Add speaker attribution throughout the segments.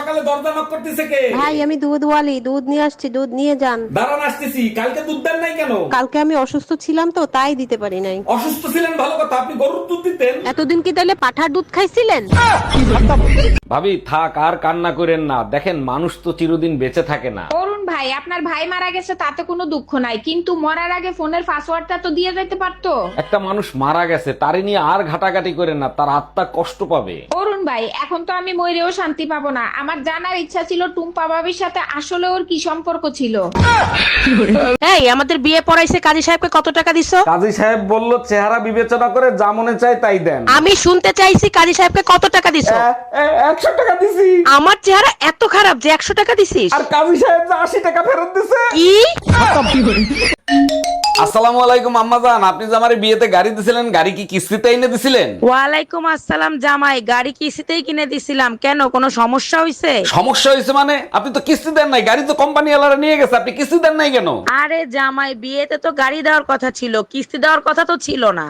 Speaker 1: সকালে দরজা নক করতেছে কে?
Speaker 2: ভাই আমি দুধওয়ালি, দুধ নিয়ে আসছি, দুধ নিয়ে যান।
Speaker 1: দাঁড়ান আসতেছি। কালকে দুধ দেন নাই কেন?
Speaker 2: কালকে আমি অসুস্থ ছিলাম তো তাই দিতে পারি নাই।
Speaker 1: অসুস্থ ছিলেন ভালো কথা, আপনি গরুর দুধ দিতেন।
Speaker 2: এতদিন কি তাহলে পাঠার দুধ খাইছিলেন?
Speaker 1: ভাবি থাক আর কান্না করেন না, দেখেন মানুষ তো চিরদিন বেঁচে থাকে না।
Speaker 3: অরুণ ভাই, আপনার ভাই মারা গেছে তাতে কোনো দুঃখ নাই, কিন্তু মরার আগে ফোনের পাসওয়ার্ডটা তো দিয়ে যেতে পারতো।
Speaker 1: একটা মানুষ মারা গেছে, তারে নিয়ে আর ঘাটাঘাটি করেন না, তার আত্মা কষ্ট পাবে।
Speaker 3: অরুণ ভাই, এখন তো আমি মরেও শান্তি পাবো না। আমার জানার ইচ্ছা ছিল টুম্পা ভাবির সাথে আসলে ওর কি সম্পর্ক ছিল।
Speaker 2: এই আমাদের বিয়ে পড়াইছে কাজী সাহেবকে কত টাকা দিছো?
Speaker 1: কাজী সাহেব বলল চেহারা বিবেচনা করে যা মনে চায় তাই দেন।
Speaker 2: আমি শুনতে চাইছি কাজী সাহেবকে কত টাকা দিছো?
Speaker 1: 100 টাকা দিছি।
Speaker 2: আমার চেহারা এত খারাপ যে 100 টাকা দিছিস?
Speaker 1: আর কাজী সাহেব যে 80 টাকা ফেরত দিছে।
Speaker 2: কি?
Speaker 1: আসসালামু আলাইকুম আম্মাজান, আপনি যে আমার বিয়েতে গাড়ি দিছিলেন, গাড়ি কি কিস্তিতে এনে দিছিলেন?
Speaker 2: ওয়ালাইকুম আসসালাম জামাই, গাড়ি কিস্তিতেই কিনে দিছিলাম। কেন, কোনো সমস্যা হইছে?
Speaker 1: সমস্যা হয়েছে মানে? আপনি তো কিস্তি দেন নাই, গাড়ি তো কোম্পানি ওয়ালারা নিয়ে গেছে, আপনি কিস্তি দেন নাই কেন?
Speaker 2: আরে জামাই, বিয়েতে তো গাড়ি দেওয়ার কথা ছিল, কিস্তি দেওয়ার কথা তো ছিল না।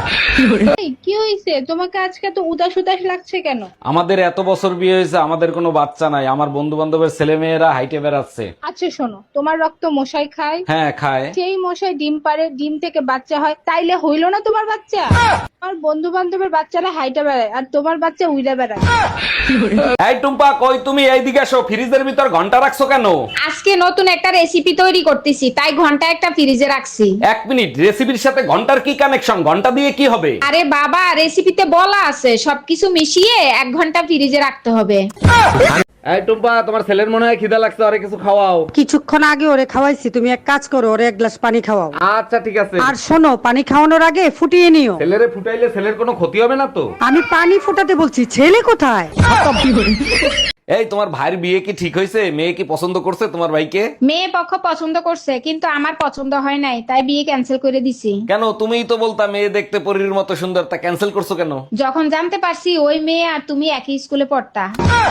Speaker 4: কি হইছে তোমাকে আজকে তো উদাস উদাস লাগছে কেন?
Speaker 1: আমাদের এত বছর বিয়ে হয়েছে, আমাদের কোনো বাচ্চা নাই। আমার বন্ধু বান্ধবের ছেলে মেয়েরা হাইটে বেড়াচ্ছে।
Speaker 4: আচ্ছা শোনো, তোমার রক্ত মশাই খায়,
Speaker 1: হ্যাঁ খায়।
Speaker 4: সেই মশাই ডিম পারে, ডিম থেকে বাচ্চা হয়, তাইলে হইলো না তোমার বাচ্চা? আমার বন্ধু বান্ধবের বাচ্চারা হাইটা বেড়ায় আর তোমার বাচ্চা উইরা বেড়ায়।
Speaker 1: এই টুম্পা কই তুমি? এইদিকে আসো। ফ্রিজের ভিতর ঘন্টা রাখছো কেন?
Speaker 3: আজকে নতুন একটা রেসিপি তৈরি করতেছি, তাই ঘন্টা একটা ফ্রিজে রাখছি।
Speaker 1: 1 মিনিট, রেসিপির সাথে ঘন্টার কি কানেকশন? ঘন্টা দিয়ে কি হবে?
Speaker 3: আরে বাবা, রেসিপিতে বলা আছে সবকিছু মিশিয়ে 1 ঘন্টা ফ্রিজে রাখতে হবে।
Speaker 1: এই টুম্পা, তোমার ছেলের মনে হয় খিদা লাগছে, আরে কিছু খাওয়াও।
Speaker 5: কিছুক্ষণ আগে ওরে খাওয়াইছি, তুমি এক কাজ করো, ওরে এক গ্লাস পানি খাওয়াও।
Speaker 1: আচ্ছা ঠিক আছে।
Speaker 5: আর শোনো, পানি খাওয়ানোর আগে ফুটিয়ে নিও।
Speaker 1: ছেলেরে ফুটাইলে ছেলের কোনো ক্ষতি হবে না তো?
Speaker 5: আমি পানি ফোটাতে বলছি, ছেলে কোথায়?
Speaker 1: এই তোমার ভাইয়ের বিয়ে কি ঠিক হয়েছে? মেয়ে কি পছন্দ করছে তোমার ভাইকে?
Speaker 3: মেয়ে পক্ষ পছন্দ করছে, কিন্তু আমার পছন্দ হয় নাই, তাই বিয়ে ক্যান্সেল করে দিছি।
Speaker 1: কেন? তুমিই তো বলতা মেয়ে দেখতে পরীর মতো সুন্দর, তা ক্যান্সেল করছো কেন?
Speaker 3: যখন জানতে পারছি ওই মেয়ে আর তুমি একই স্কুলে পড়তা।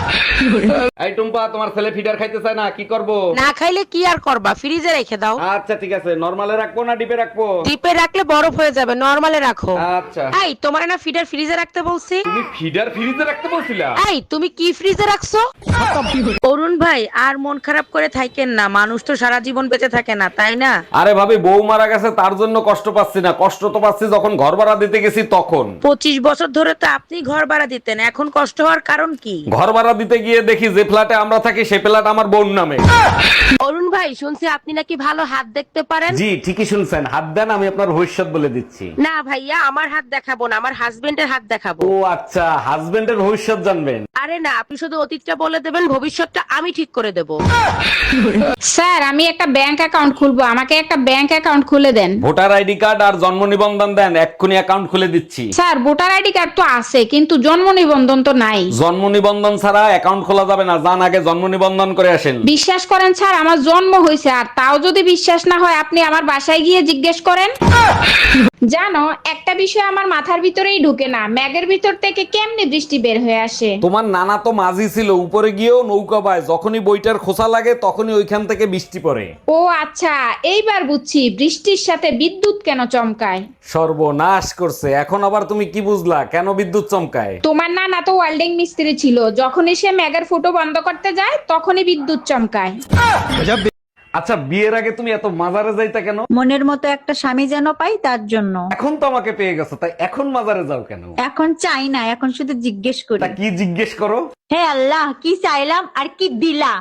Speaker 1: এই টুম্পা, তোমার ছেলে ফিডার খাইতে চায় না, কি করব?
Speaker 2: না খাইলে কি আর করবা, ফ্রিজে রেখে দাও।
Speaker 1: আচ্ছা ঠিক আছে। নরমালে রাখবো না ডিপে রাখবো?
Speaker 2: ডিপে রাখলে বরফ হয়ে যাবে, নরমালে রাখো।
Speaker 1: আচ্ছা।
Speaker 2: এই তোমার না ফিডার ফ্রিজে রাখতে বলছি?
Speaker 1: তুমি ফিডার ফ্রিজে রাখতে বলছিলা?
Speaker 2: এই তুমি কি ফ্রিজে রাখছো? অরুণ ভাই, আর মন খারাপ করে থাকেন না, মানুষ তো সারা জীবন বেঁচে থাকে না, তাই না?
Speaker 1: আরে ভাবি, বউ মারা গেছে তার জন্য কষ্ট পাচ্ছি না, কষ্ট তো পাচ্ছি যখন ঘর ভাড়া দিতে গেছি তখন।
Speaker 2: 25 বছর ধরে তো আপনি ঘর ভাড়া দিতেন, এখন কষ্ট হওয়ার কারণ কি?
Speaker 1: ঘর ভাড়া দিতে গিয়ে দেখি যে ফ্ল্যাটে আমরা থাকি সেই ফ্ল্যাট আমার বোন নামে।
Speaker 2: অরুণ ভাই, শুনছি আপনি নাকি ভালো হাত দেখতে পারেন।
Speaker 1: জি ঠিকই শুনছেন, হাত দেন, আমি আপনার ভবিষ্যৎ বলে দিচ্ছি।
Speaker 2: না ভাইয়া, আমার হাত দেখাবো না, আমার হাজবেন্ডের হাত দেখাবো।
Speaker 1: ও আচ্ছা, হাজবেন্ডের ভবিষ্যৎ জানবেন?
Speaker 2: আরে না, আপনি শুধু অতীতটা বলে দেবেন, ভবিষ্যৎটা আমি ঠিক করে দেব।
Speaker 3: স্যার, আমি একটা ব্যাংক অ্যাকাউন্ট খুলবো, আমাকে একটা ব্যাংক অ্যাকাউন্ট খুলে দেন।
Speaker 1: ভোটার আইডি কার্ড আর জন্ম নিবন্ধন দেন, এক্ষুনি অ্যাকাউন্ট খুলে দিচ্ছি।
Speaker 3: স্যার, ভোটার আইডি কার্ড তো আছে, কিন্তু জন্ম নিবন্ধন তো নাই।
Speaker 1: জন্ম নিবন্ধন ছাড়া অ্যাকাউন্ট খোলা যাবে না, যান আগে জন্ম নিবন্ধন করে আসেন।
Speaker 3: বিশ্বাস করেন স্যার, আমার জন্ম হয়েছে, আর তাও যদি বিশ্বাস না হয় আপনি আমার বাসায় গিয়ে জিজ্ঞেস করেন। জানো, একটা বিষয় আমার মাথার ভিতরেই ঢুকে না, ম্যাগের ভিতর থেকে কেমনে বৃষ্টি বের হয়ে আসে।
Speaker 1: তোমার নানা তো মাঝি ছিল, উপরে গিয়েও নৌকা পায়, যখনই বইটার খোসা লাগে তখনই ওইখান থেকে বৃষ্টি পড়ে।
Speaker 3: ও আচ্ছা, এইবার বুঝছি বৃষ্টির সাথে বিদ্যুৎ কেন চমকায়।
Speaker 1: সর্বনাশ করছে, এখন আবার তুমি কি বুঝলা কেন বিদ্যুৎ চমকায়?
Speaker 3: তোমার নানা তো ওয়েল্ডিং মিস্ত্রি ছিল, যখনই সে ম্যাগের ফুটো বন্ধ করতে যায় তখনই বিদ্যুৎ চমকায়।
Speaker 1: আচ্ছা, বিয়ের আগে তুমি এত মাজারে যাইতা কেন?
Speaker 6: মনের মতো একটা স্বামী যেন পাই, তার জন্য।
Speaker 1: এখন তো আমাকে পেয়ে গেছো, তাই এখন মাজারে যাও কেন?
Speaker 6: এখন চাই না, এখন শুধু জিজ্ঞেস করি,
Speaker 1: তা কি জিজ্ঞেস করো?
Speaker 6: হে আল্লাহ, কি চাইলাম আর কি দিলা?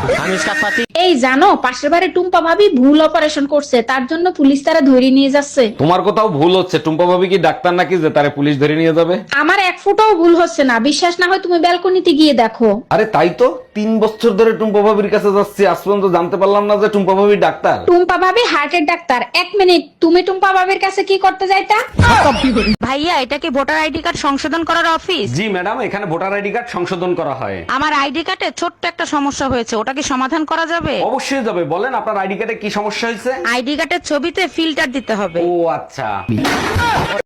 Speaker 3: এই জানো, পাশের বাড়ি টুম্পা ভাবি ভুল অপারেশন করছে, তার জন্য পুলিশ তারা ধরে নিয়ে যাচ্ছে।
Speaker 1: তোমার কোথাও ভুল হচ্ছে। টুম্পা ভাবি কি ডাক্তার নাকি যে তারে পুলিশ ধরে নিয়ে যাবে?
Speaker 3: আমার এক ফুটাও ভুল হচ্ছে না, বিশ্বাস না হয় তুমি ব্যালকনিতে গিয়ে দেখো।
Speaker 1: আরে তাই তো, 3 বছর ধরে টুম্পা ভাবির কাছে যাচ্ছি, আজ পর্যন্ত জানতে পারলাম না যে টুম্পা ভাবি ডাক্তার।
Speaker 3: টুম্পা ভাবি হার্টের ডাক্তার। 1 মিনিট, তুমি টুম্পা ভাবির কাছে কি করতে যাইতা?
Speaker 2: ভাইয়া, এটা কি ভোটার আইডি কার্ড সংশোধন করার অফিস?
Speaker 1: জি ম্যাডাম, এখানে ভোটার আইডি কার্ড সংশোধন করা হয়।
Speaker 2: আমার আইডি কার্ডে ছোট্ট একটা সমস্যা হয়েছে, ওটা কি সমাধান করা যাবে?
Speaker 1: অবশ্যই যাবে, বলেন আপনার আইডি কার্ডে কি সমস্যা হয়েছে?
Speaker 2: আইডি কার্ডের ছবিতে ফিল্টার দিতে হবে।
Speaker 1: ও আচ্ছা।